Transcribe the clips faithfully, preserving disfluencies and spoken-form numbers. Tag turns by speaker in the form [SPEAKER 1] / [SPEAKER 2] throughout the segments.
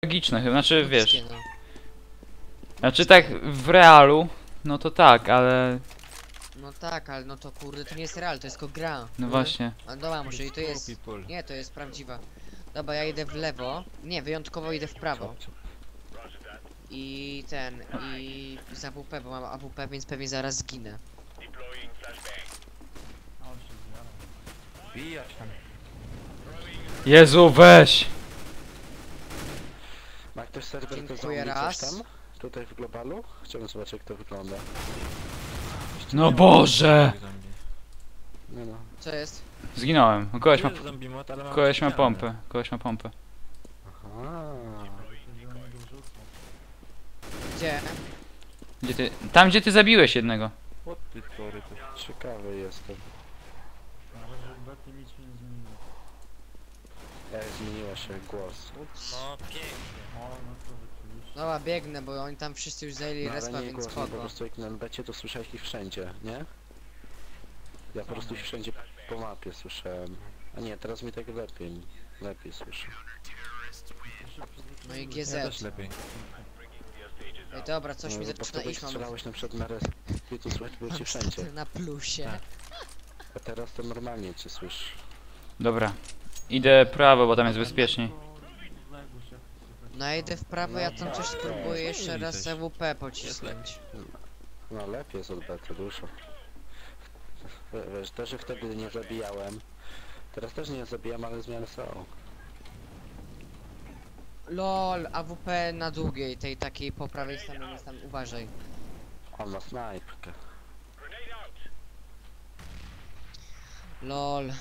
[SPEAKER 1] Logiczne chyba, znaczy wiesz.
[SPEAKER 2] No.
[SPEAKER 1] Znaczy tak w realu, no to tak, ale...
[SPEAKER 2] No tak, ale no to kurde, to nie jest real, to jest tylko gra.
[SPEAKER 1] No właśnie.
[SPEAKER 2] A dobra, może i to jest... Nie, to jest prawdziwa. Dobra, ja idę w lewo. Nie, wyjątkowo idę w prawo. I ten, i z A W P, bo mam A W P, więc pewnie zaraz zginę.
[SPEAKER 3] Bijać tam.
[SPEAKER 1] Jezu, weź!
[SPEAKER 3] Ma ktoś serwer
[SPEAKER 2] Dziękuję
[SPEAKER 3] zombie coś
[SPEAKER 2] raz.
[SPEAKER 3] tam? Tutaj w globalu? Chciałbym zobaczyć jak to wygląda.
[SPEAKER 1] No Boże!
[SPEAKER 3] Nie no.
[SPEAKER 2] Co jest?
[SPEAKER 1] Zginąłem. Koleś ma,
[SPEAKER 3] Tu jest zombie mod, ale mam
[SPEAKER 1] koleś ma
[SPEAKER 3] ścianę.
[SPEAKER 1] pompę. Koleś ma pompę.
[SPEAKER 3] Aha.
[SPEAKER 2] Gdzie?
[SPEAKER 1] Gdzie ty... Tam gdzie ty zabiłeś jednego.
[SPEAKER 3] O ty tory, to ciekawy jestem. Jak zmieniła się głos.
[SPEAKER 4] No pięknie.
[SPEAKER 2] Dobra, biegnę, bo oni tam wszyscy już zajęli
[SPEAKER 3] No, ale
[SPEAKER 2] respa,
[SPEAKER 3] nie
[SPEAKER 2] więc
[SPEAKER 3] głos, no po
[SPEAKER 2] spoko.
[SPEAKER 3] prostu jak na becie to słyszałeś ich wszędzie, nie? Ja po prostu ich wszędzie po mapie słyszałem. A nie, teraz mi tak lepiej, lepiej słyszę.
[SPEAKER 2] No i G
[SPEAKER 4] Ja
[SPEAKER 2] Z.
[SPEAKER 4] też lepiej.
[SPEAKER 2] Ej, dobra, coś
[SPEAKER 3] No,
[SPEAKER 2] mi
[SPEAKER 3] bo
[SPEAKER 2] zaczyna
[SPEAKER 3] wtedy
[SPEAKER 2] iść, mam...
[SPEAKER 3] strzelałeś na przykład na res... Ty tu słychać było cię
[SPEAKER 2] Mam
[SPEAKER 3] wszędzie.
[SPEAKER 2] staty na plusie.
[SPEAKER 4] Tak.
[SPEAKER 3] A teraz to normalnie cię słyszę.
[SPEAKER 1] Dobra. Idę prawo, bo tam jest bezpieczniej.
[SPEAKER 2] No ja idę w prawo, ja tam coś spróbuję jeszcze raz
[SPEAKER 4] Coś.
[SPEAKER 2] A W P pocisnąć.
[SPEAKER 3] No lepiej jest od bety dużo. W- Wiesz, też ich wtedy nie zabijałem. Teraz też nie zabijam, ale zmiany są.
[SPEAKER 2] LOL, A W P na długiej, tej takiej po prawej stronie jest tam, uważaj.
[SPEAKER 3] On ma snajpkę.
[SPEAKER 2] LOL.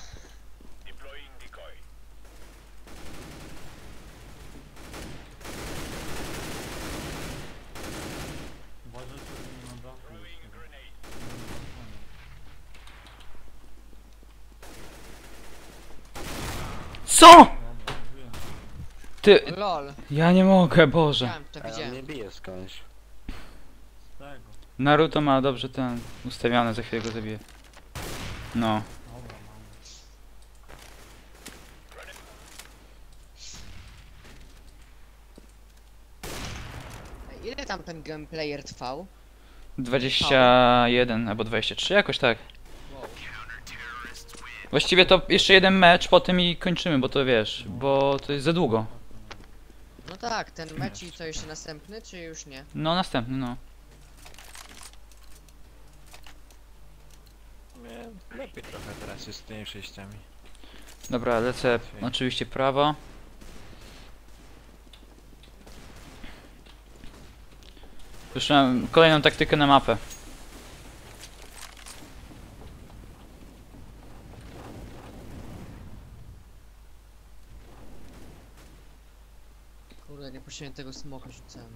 [SPEAKER 1] Co?! Ty...
[SPEAKER 2] LOL.
[SPEAKER 1] Ja nie mogę, Boże.
[SPEAKER 2] Widziałem, to
[SPEAKER 3] A on
[SPEAKER 2] widziałem.
[SPEAKER 3] nie bije skądś.
[SPEAKER 1] Naruto ma dobrze ten ustawiony, za chwilę go zabiję. No.
[SPEAKER 2] Ile tam ten gameplayer trwał?
[SPEAKER 1] dwadzieścia jeden albo dwadzieścia trzy, jakoś tak.
[SPEAKER 2] Wow.
[SPEAKER 1] Właściwie to jeszcze jeden mecz, potem i kończymy, bo to wiesz, bo to jest za długo.
[SPEAKER 2] No tak, ten mecz i co jeszcze następny, czy już nie?
[SPEAKER 1] No następny, no.
[SPEAKER 4] Nie, lepiej trochę teraz jest z tymi przejściami.
[SPEAKER 1] Dobra, lecę oczywiście prawo. Już mam kolejną taktykę na mapę.
[SPEAKER 2] Kurde, nie puściłem tego smoka, rzucałem.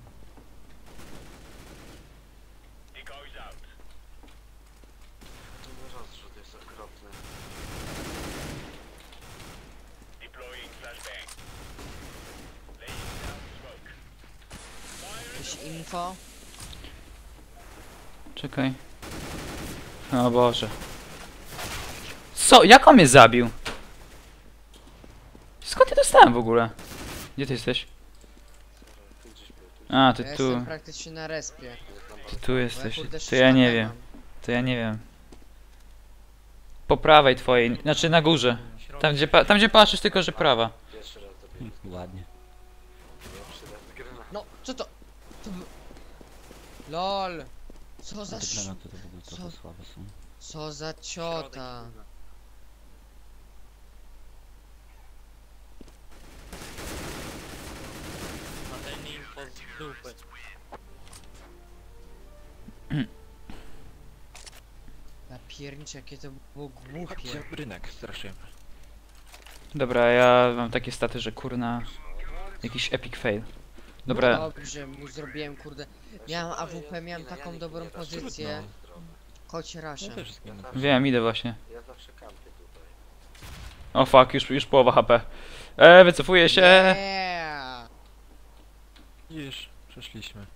[SPEAKER 3] Rozrzut jest okropny.
[SPEAKER 2] Jakieś info?
[SPEAKER 1] Czekaj. O Boże. Co? Jak on mnie zabił? Skąd ja dostałem w ogóle? Gdzie ty jesteś?
[SPEAKER 3] Tu gdzieś był, tu
[SPEAKER 1] A,
[SPEAKER 2] Ja
[SPEAKER 1] ty tu.
[SPEAKER 2] jestem praktycznie na respie.
[SPEAKER 1] Ty tu
[SPEAKER 2] Bo ja
[SPEAKER 1] jesteś.
[SPEAKER 2] kurde
[SPEAKER 1] To ja nie
[SPEAKER 2] sztabę
[SPEAKER 1] wiem.
[SPEAKER 2] mam.
[SPEAKER 1] To ja nie wiem. Po prawej twojej, znaczy na górze. Tam gdzie, pa tam gdzie patrzysz, tylko że prawa.
[SPEAKER 3] Pierwszy raz dobiję.
[SPEAKER 4] Ładnie.
[SPEAKER 3] Pierwszy raz gry na...
[SPEAKER 2] No, co to? To by... LOL! Co za
[SPEAKER 4] Te
[SPEAKER 2] sz...
[SPEAKER 4] granaty to w ogóle
[SPEAKER 2] Co?
[SPEAKER 4] trochę słabe są.
[SPEAKER 2] Co za ciota?
[SPEAKER 4] A ten im pod dupę.
[SPEAKER 2] Ja pierniczę, jakie to było głupie.
[SPEAKER 4] Rynek straszyłem.
[SPEAKER 1] Dobra, ja mam takie staty, że kurna... Jakiś epic fail. Dobra,
[SPEAKER 2] Dobrze, mu zrobiłem, kurde. Miałem A W P, miałem taką dobrą pozycję. Kocie
[SPEAKER 4] Ja
[SPEAKER 2] raszę.
[SPEAKER 4] też zginę.
[SPEAKER 1] wiem, idę właśnie.
[SPEAKER 3] Ja zawsze kampię tutaj.
[SPEAKER 1] O fuck, już, już połowa H P. Eee, wycofuję się.
[SPEAKER 2] Yeah!
[SPEAKER 4] Już, przeszliśmy.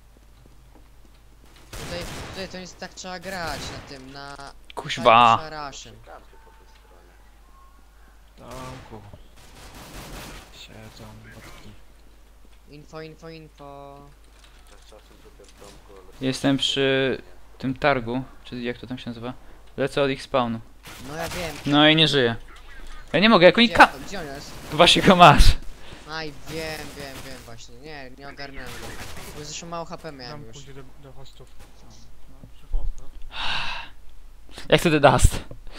[SPEAKER 2] Tutaj, tutaj to jest tak trzeba grać na tym, na...
[SPEAKER 1] Kuźwa.
[SPEAKER 2] Raszem.
[SPEAKER 3] Kampię po tej stronie.
[SPEAKER 4] Tomku. Siedzą botki.
[SPEAKER 2] Info, info, info.
[SPEAKER 3] Czas czasem tutaj w domku, ale...
[SPEAKER 1] Jestem przy tym targu, czy jak to tam się nazywa? Lecę od ich spawnu.
[SPEAKER 2] No ja wiem.
[SPEAKER 1] No i nie żyję. Ja nie mogę, jak oni
[SPEAKER 2] Gdzie,
[SPEAKER 1] ka...
[SPEAKER 2] gdzie on jest?
[SPEAKER 1] Właśnie go masz.
[SPEAKER 2] Aj, wiem, wiem, wiem właśnie. Nie, nie ogarnąłem go. Bo zresztą mało H P
[SPEAKER 5] Tam
[SPEAKER 2] miałem już.
[SPEAKER 5] pójdzie do, do hostów. No, przy hostach.
[SPEAKER 1] Jak to The Dust?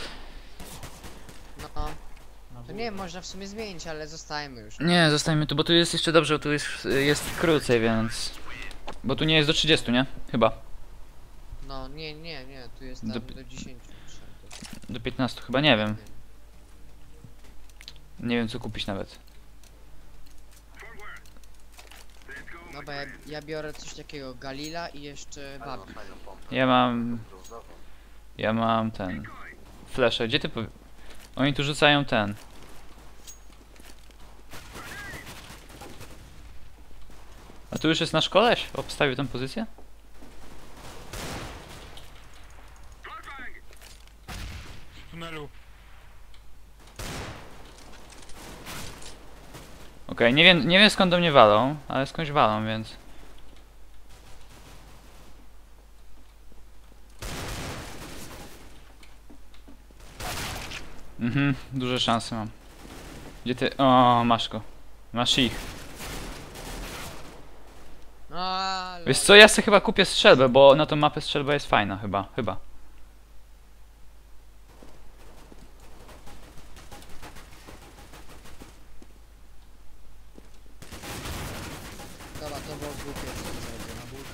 [SPEAKER 2] No,
[SPEAKER 5] Na
[SPEAKER 2] to nie, można w sumie zmienić, ale zostajemy już.
[SPEAKER 1] Nie, zostańmy tu, bo tu jest jeszcze dobrze, bo tu jest, jest krócej, więc... Bo tu nie jest do trzydziestu, nie? Chyba.
[SPEAKER 2] No, nie, nie, nie, tu jest tam
[SPEAKER 1] Do-
[SPEAKER 2] do, dziesięciu.
[SPEAKER 1] Do piętnastu, chyba, nie wiem. Nie wiem co kupić nawet.
[SPEAKER 2] Dobra, ja, ja biorę coś takiego, Galila i jeszcze
[SPEAKER 3] Ale mam
[SPEAKER 2] Babi.
[SPEAKER 3] fajną pompę.
[SPEAKER 1] Ja mam...
[SPEAKER 3] Brązową.
[SPEAKER 1] Ja mam ten... Flesze, gdzie ty powie... Oni tu rzucają ten... A tu już jest nasz koleś? Obstawił tę pozycję?
[SPEAKER 5] W tunelu.
[SPEAKER 1] Okej, nie wiem, nie wiem skąd do mnie walą, ale skądś walą, więc... Mhm, duże szanse mam. Gdzie ty... O, masz go. Masz ich.
[SPEAKER 2] No, ale...
[SPEAKER 1] Wiesz co, ja sobie chyba kupię strzelbę, bo na tą mapę strzelba jest fajna, chyba, chyba.
[SPEAKER 2] Dobra, to było głupie, co on zrobił.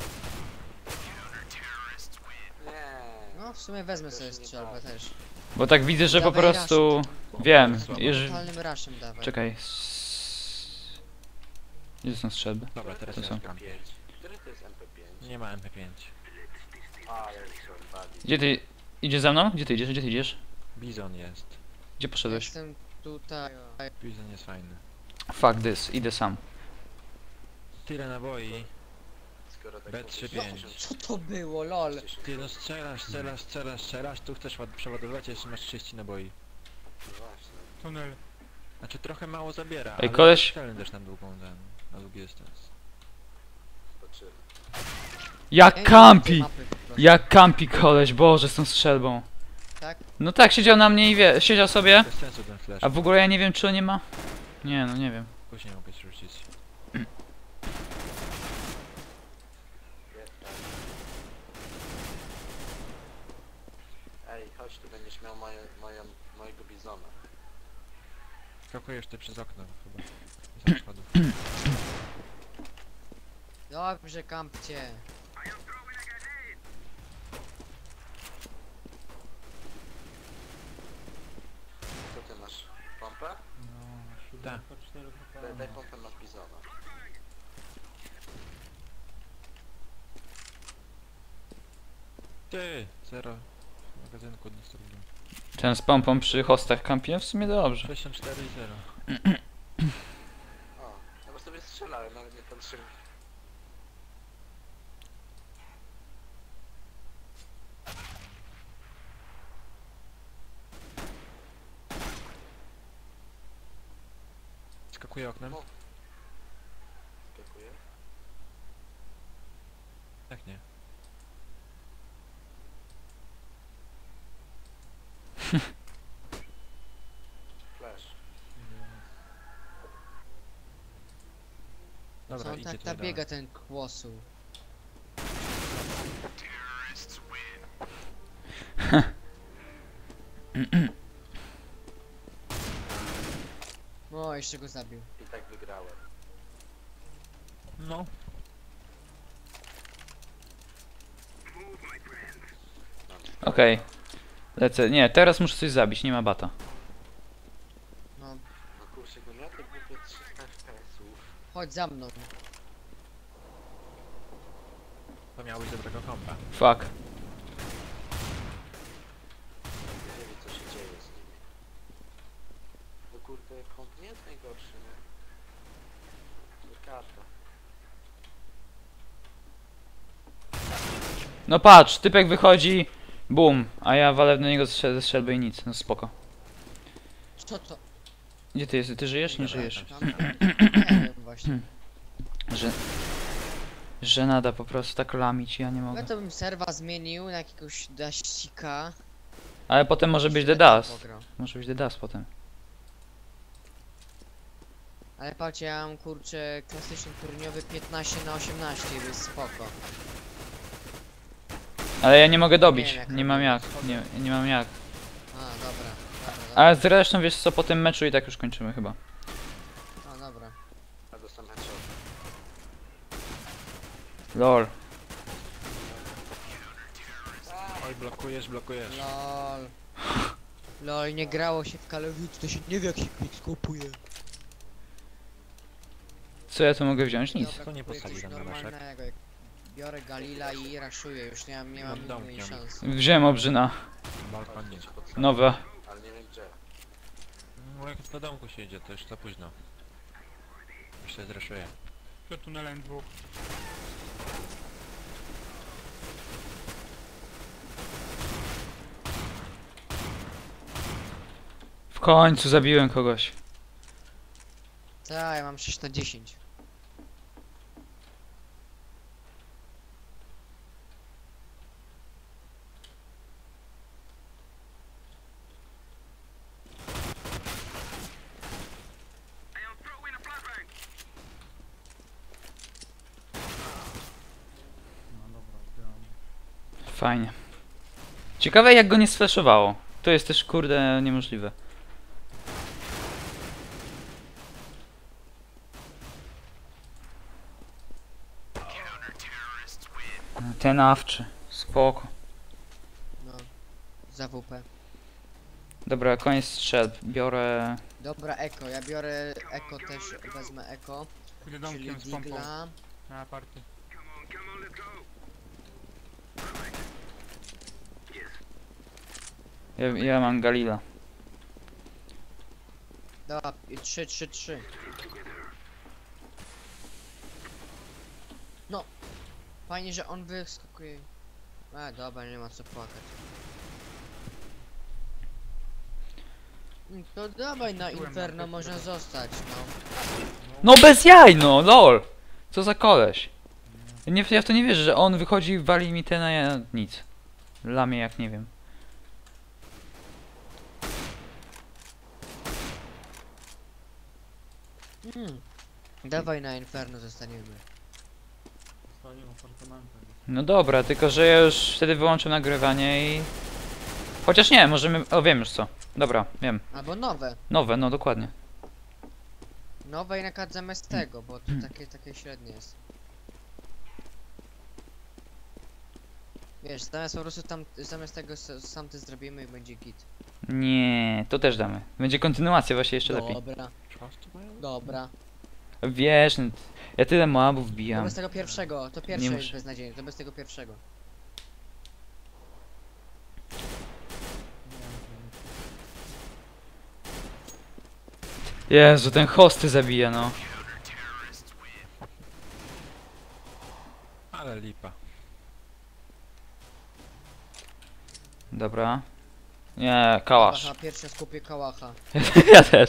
[SPEAKER 3] Nie.
[SPEAKER 2] No, w sumie wezmę
[SPEAKER 3] To
[SPEAKER 2] sobie
[SPEAKER 3] już nie
[SPEAKER 2] strzelbę
[SPEAKER 3] tak.
[SPEAKER 2] też.
[SPEAKER 1] Bo tak widzę, że po
[SPEAKER 2] Dawaj
[SPEAKER 1] prostu...
[SPEAKER 2] rush.
[SPEAKER 1] Wiem,
[SPEAKER 3] Słabo.
[SPEAKER 1] już...
[SPEAKER 2] Totalnym rushem dawaj.
[SPEAKER 1] Czekaj. s- Gdzie są strzelby?
[SPEAKER 4] Dobra, teraz
[SPEAKER 1] To
[SPEAKER 4] ja
[SPEAKER 1] są.
[SPEAKER 4] szukam.
[SPEAKER 3] pięć. Który to jest M P pięć?
[SPEAKER 4] Nie ma M P pięć.
[SPEAKER 3] A, ja już są badi.
[SPEAKER 1] Gdzie ty... Idziesz za mną? Gdzie ty idziesz? Gdzie ty idziesz?
[SPEAKER 4] Bizon jest.
[SPEAKER 1] Gdzie poszedłeś?
[SPEAKER 2] Jestem tutaj.
[SPEAKER 4] Bizon jest fajny.
[SPEAKER 1] Fuck this, idę sam.
[SPEAKER 4] Tyle naboi.
[SPEAKER 3] Skoro tak
[SPEAKER 4] B trzy pięć.
[SPEAKER 2] Co to było, lol?
[SPEAKER 4] Ty no strzelasz, strzelasz, strzelasz, strzelasz, tu chcesz ład- przeładowywać, a jeszcze masz trzydzieści naboi.
[SPEAKER 3] Właśnie.
[SPEAKER 5] Tunel.
[SPEAKER 4] Znaczy trochę mało zabiera,
[SPEAKER 1] Ej,
[SPEAKER 4] ale
[SPEAKER 1] koleś-
[SPEAKER 4] strzelny też na długą ten, na długi dystans.
[SPEAKER 3] Zobaczymy.
[SPEAKER 1] Jak
[SPEAKER 2] Ej,
[SPEAKER 1] kampi!
[SPEAKER 2] mapy po prostu.
[SPEAKER 1] Jak kampi koleś, boże, z tą strzelbą.
[SPEAKER 2] Tak?
[SPEAKER 1] No tak, siedział na mnie i wie... Siedział sobie.
[SPEAKER 4] Bez sensu ten flash.
[SPEAKER 1] A w ogóle ja nie wiem, czy on nie ma... Nie, no nie wiem.
[SPEAKER 4] Później mogę ci rzucić.
[SPEAKER 3] Jest tak. Ej, chodź, tu będziesz miał moje, moją, mojego bizona.
[SPEAKER 4] Skakujesz ty przez okno chyba. Za schodów.
[SPEAKER 2] Dobrze, kampcie.
[SPEAKER 3] Co ty masz? Pompę?
[SPEAKER 5] No,
[SPEAKER 4] Tak.
[SPEAKER 5] siódemka, cztery H P.
[SPEAKER 3] Daj, daj pompę na bizona.
[SPEAKER 4] Ty! Zero. W magazynku nic trudno.
[SPEAKER 1] Ten z pompą przy hostach kampi, no w sumie dobrze.
[SPEAKER 4] sześćdziesiąt cztery i zero.
[SPEAKER 3] O, ja po sobie strzelałem, nawet nie patrzyłem.
[SPEAKER 4] Skakuję oknem?
[SPEAKER 3] No. Skakuje.
[SPEAKER 4] Jak nie?
[SPEAKER 3] Flash.
[SPEAKER 2] Co
[SPEAKER 4] Dobra,
[SPEAKER 2] on
[SPEAKER 4] idzie
[SPEAKER 2] tak
[SPEAKER 4] tutaj
[SPEAKER 2] nabiega
[SPEAKER 4] dalej.
[SPEAKER 2] ten kłosu? O, jeszcze go zabił.
[SPEAKER 3] I tak wygrałem.
[SPEAKER 4] No.
[SPEAKER 1] Okej. Lecę. Nie, teraz muszę coś zabić, nie ma bata.
[SPEAKER 2] No,
[SPEAKER 3] No kurczę, go miał te głupie trzysta F P S-ów.
[SPEAKER 2] chodź za mną.
[SPEAKER 4] To miało być dobrego kompa.
[SPEAKER 1] Fuck.
[SPEAKER 3] Nie wie co się dzieje z nimi. No kurde, komp nie jest najgorszy, nie? To karta.
[SPEAKER 1] No patrz, typek wychodzi, bum, a ja walę do niego ze ze strzelby i nic, no spoko.
[SPEAKER 2] Co to?
[SPEAKER 1] Gdzie ty jesteś? Ty żyjesz? Nie
[SPEAKER 4] Dobra,
[SPEAKER 1] żyjesz.
[SPEAKER 2] Tam? Nie wiem właśnie.
[SPEAKER 1] Że... Że nada po prostu tak lamić, ja nie
[SPEAKER 2] Ja
[SPEAKER 1] mogę.
[SPEAKER 2] to bym serwa zmienił na jakiegoś daścika.
[SPEAKER 1] Ale potem może być The
[SPEAKER 2] Świetnie
[SPEAKER 1] Dust.
[SPEAKER 2] pograł.
[SPEAKER 1] Może być The Dust potem.
[SPEAKER 2] Ale patrzcie, ja mam kurczę klasyczny turniowy piętnaście na osiemnaście, jest spoko.
[SPEAKER 1] Ale ja nie mogę dobić,
[SPEAKER 2] wiem, jak
[SPEAKER 1] nie mam jak,
[SPEAKER 2] robić.
[SPEAKER 1] nie, nie mam jak.
[SPEAKER 2] A, dobra, dobra, dobra.
[SPEAKER 1] Ale zresztą wiesz co, po tym meczu i tak już kończymy chyba.
[SPEAKER 2] A, dobra.
[SPEAKER 3] Ja dostałem headshot.
[SPEAKER 1] Lol.
[SPEAKER 4] Oj, blokujesz, blokujesz.
[SPEAKER 2] Lol. Lol, nie grało się w Call of Duty, to się nie wie jak się quick skupuje.
[SPEAKER 1] Co ja tu mogę wziąć? Nic.
[SPEAKER 2] Dobra,
[SPEAKER 4] Co nie
[SPEAKER 2] kupuję
[SPEAKER 4] postawi
[SPEAKER 2] coś
[SPEAKER 4] tam na naszek?
[SPEAKER 2] normalnego, jak biorę Galila i raszuję, już nie mam, nie mam
[SPEAKER 4] Nad domkiem.
[SPEAKER 2] innej szans.
[SPEAKER 1] Wziąłem obrzyna.
[SPEAKER 4] Balkonie.
[SPEAKER 1] Nowe.
[SPEAKER 3] Ale nie wiem gdzie.
[SPEAKER 4] No jak na domku się idzie, to już za późno. Już się zreszuję.
[SPEAKER 5] Przed tunelem dwóch.
[SPEAKER 1] W końcu zabiłem kogoś.
[SPEAKER 2] Tak, ja mam sześć na dziesięć.
[SPEAKER 5] No dobra, zbieram.
[SPEAKER 1] Fajnie. Ciekawe jak go nie sflashowało. To jest też kurde niemożliwe. Ten awczy. Spoko.
[SPEAKER 2] No. Za W P.
[SPEAKER 1] Dobra, koniec strzelb. Biorę...
[SPEAKER 2] Dobra, Eko, ja biorę Eko też, wezmę Eko,
[SPEAKER 5] Pójdę
[SPEAKER 2] czyli
[SPEAKER 5] domkiem z pompą
[SPEAKER 2] Digla.
[SPEAKER 5] na party.
[SPEAKER 1] Ja, ja mam Galila.
[SPEAKER 2] Dobra, trzy, trzy, trzy. No. Fajnie, że on wyskakuje. A, dobra, nie ma co płakać. Mm, To dawaj na
[SPEAKER 5] Byłem na
[SPEAKER 2] Inferno,
[SPEAKER 5] tym,
[SPEAKER 2] można
[SPEAKER 5] które-
[SPEAKER 2] zostać, no.
[SPEAKER 1] No bez jaj no, lol! Co za koleś. Ja, nie, ja w to nie wierzę, że on wychodzi, wali mi ten, a ja nic. Lamie jak nie wiem.
[SPEAKER 2] Mm. Dawaj na Inferno zostaniemy.
[SPEAKER 5] Zostanie apartamentem.
[SPEAKER 1] No dobra, tylko że ja już wtedy wyłączę nagrywanie i... Chociaż nie, możemy... O, wiem już co. Dobra, wiem.
[SPEAKER 2] Albo nowe.
[SPEAKER 1] Nowe, no dokładnie.
[SPEAKER 2] Nowe i nakaz zamiast tego, bo to takie, takie średnie jest. Wiesz, zamiast po prostu tam, zamiast tego s- sam ty zrobimy i będzie git.
[SPEAKER 1] Nie, to też damy. Będzie kontynuacja właśnie jeszcze lepiej.
[SPEAKER 2] Dobra, dobra.
[SPEAKER 1] Wiesz, no, ja tyle moabów
[SPEAKER 2] To
[SPEAKER 1] wbijam.
[SPEAKER 2] bez tego pierwszego, to pierwsze
[SPEAKER 1] Nie
[SPEAKER 2] jest
[SPEAKER 1] muszę.
[SPEAKER 2] beznadziejne, to bez tego pierwszego.
[SPEAKER 1] Jezu, ten hosty zabija, no.
[SPEAKER 4] Ale lipa.
[SPEAKER 1] Dobra. Nie, kałasz.
[SPEAKER 2] Kałacha, pierwsze skupię kałacha.
[SPEAKER 1] Ja też.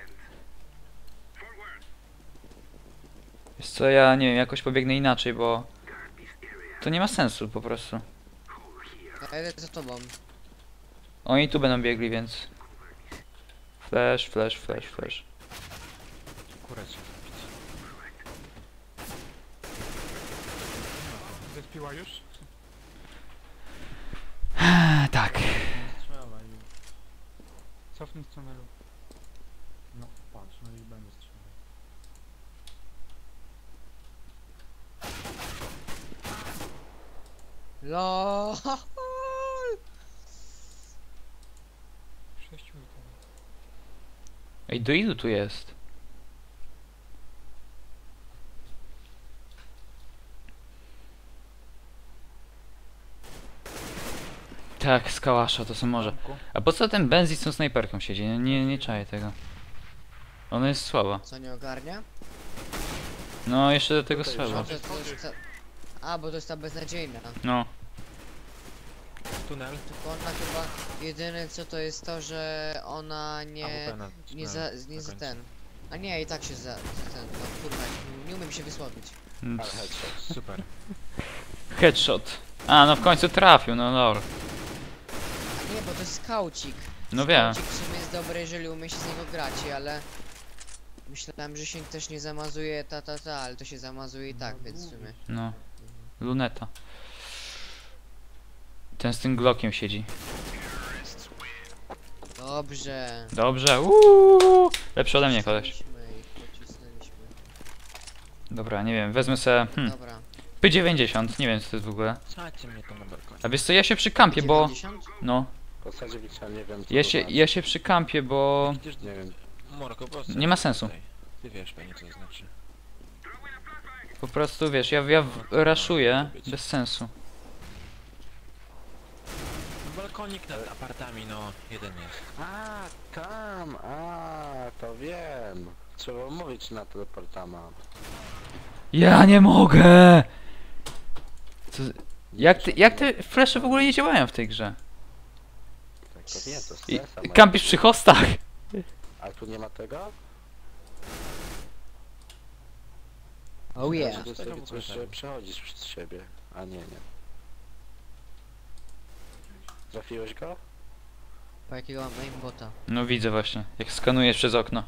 [SPEAKER 1] Wiesz co, ja nie wiem, jakoś pobiegnę inaczej, bo... To nie ma sensu po prostu.
[SPEAKER 2] Ja jedę za tobą.
[SPEAKER 1] Oni tu będą biegli, więc... Flash, flash, flash, flash.
[SPEAKER 4] Kurę się zabić.
[SPEAKER 5] Zespiła już?
[SPEAKER 1] A, tak.
[SPEAKER 5] Strzelaj już. Cofnij z tunelu. No patrz, no i będę strzelał.
[SPEAKER 2] LOL.
[SPEAKER 5] Sześciu i tam.
[SPEAKER 1] Ej, do ilu tu jest? Tak, z kałasza, to są może.
[SPEAKER 4] Domku.
[SPEAKER 1] A po co ten Benzi z tą snajperką siedzi? Nie, nie, nie czaję tego. Ona jest słaba.
[SPEAKER 2] Co nie ogarnia?
[SPEAKER 1] No, jeszcze do tego
[SPEAKER 3] Tutaj
[SPEAKER 1] słaba.
[SPEAKER 2] No to, to jest ta... A, bo to jest ta beznadziejna.
[SPEAKER 1] No.
[SPEAKER 4] Tunel.
[SPEAKER 2] Tylko ona chyba jedyne co to jest to, że ona
[SPEAKER 4] A
[SPEAKER 2] nie...
[SPEAKER 4] W P na
[SPEAKER 2] Nie
[SPEAKER 4] tunelu
[SPEAKER 2] za, nie
[SPEAKER 4] na
[SPEAKER 2] za
[SPEAKER 4] końcu.
[SPEAKER 2] ten. A nie, i tak się za... ten, no kurwa, nie umiem się wysłowić.
[SPEAKER 1] Mm,
[SPEAKER 3] Ale headshot.
[SPEAKER 4] Super.
[SPEAKER 1] Headshot. A, no w końcu trafił, no lol.
[SPEAKER 2] A nie, bo to jest skaucik.
[SPEAKER 1] No wiem.
[SPEAKER 2] Skaucik w sumie jest dobry, jeżeli umie się z niego grać, ale... Myślałem, że się też nie zamazuje ta ta ta, ale to się zamazuje i tak, więc w sumie.
[SPEAKER 1] No. Luneta. Ten z tym Glockiem siedzi.
[SPEAKER 2] Dobrze.
[SPEAKER 1] Dobrze, uuu, lepszy ode mnie koleś.
[SPEAKER 2] Pocisnęliśmy ich, pocisnęliśmy.
[SPEAKER 1] Dobra, nie wiem, wezmę se hmm,
[SPEAKER 2] Dobra.
[SPEAKER 1] P dziewięćdziesiąt, nie wiem co to jest w ogóle.
[SPEAKER 4] Sadźcie mnie tam na balkonie.
[SPEAKER 1] A wiesz co, ja się przykampię, bo...
[SPEAKER 2] dziewięćdziesiąt?
[SPEAKER 1] No,
[SPEAKER 3] W zasadzie Wiksa nie wiem co
[SPEAKER 1] ja
[SPEAKER 3] to
[SPEAKER 1] się,
[SPEAKER 3] znaczy.
[SPEAKER 1] ja się przykampię, bo...
[SPEAKER 4] Przecież
[SPEAKER 3] Nie wiem.
[SPEAKER 4] Morko, po prostu
[SPEAKER 1] Nie ma sensu.
[SPEAKER 4] tutaj. Ty wiesz pewnie co to znaczy.
[SPEAKER 1] Po prostu wiesz, ja, ja w- raszuję bez sensu.
[SPEAKER 4] Balkonik nad apartami, no jeden jest.
[SPEAKER 3] A, tam, a, to wiem. Trzeba mówić na teleportama.
[SPEAKER 1] Ja nie mogę! Co, jak, ty, jak te flesze w ogóle nie działają w tej grze?
[SPEAKER 3] Tak, to nie, to
[SPEAKER 1] I,
[SPEAKER 3] stresa. moja.
[SPEAKER 1] kampisz przy hostach!
[SPEAKER 3] A tu nie ma tego?
[SPEAKER 2] Oh yeah.
[SPEAKER 3] Że
[SPEAKER 4] Tego
[SPEAKER 3] sobie
[SPEAKER 4] w ogóle
[SPEAKER 3] coś,
[SPEAKER 4] tak.
[SPEAKER 3] że przechodzisz przez siebie. A nie, nie. Trafiłeś go?
[SPEAKER 2] Po jakiego mam aimbota?
[SPEAKER 1] No widzę właśnie, jak skanujesz przez okno.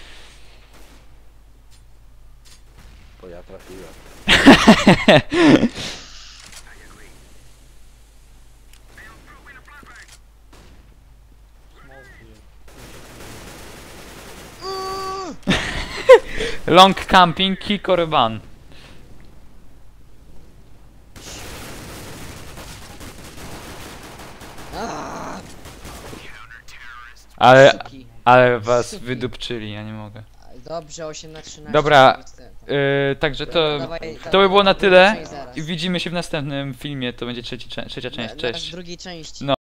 [SPEAKER 3] Bo ja trafiłem.
[SPEAKER 1] Long camping, kick or ban.
[SPEAKER 2] Aaaa!
[SPEAKER 1] Ale,
[SPEAKER 2] Suki.
[SPEAKER 1] ale was
[SPEAKER 2] Suki.
[SPEAKER 1] wydupczyli, ja nie mogę.
[SPEAKER 2] Dobrze, osiem na trzynaście.
[SPEAKER 1] Dobra,
[SPEAKER 2] Niestety.
[SPEAKER 1] Yy, także to,
[SPEAKER 2] Dawaj,
[SPEAKER 1] to by było na tyle
[SPEAKER 2] część zaraz.
[SPEAKER 1] i widzimy się w następnym filmie, to będzie trzeci, cze- trzecia część,
[SPEAKER 2] Na- na
[SPEAKER 1] cześć.
[SPEAKER 2] drugiej części.
[SPEAKER 1] No.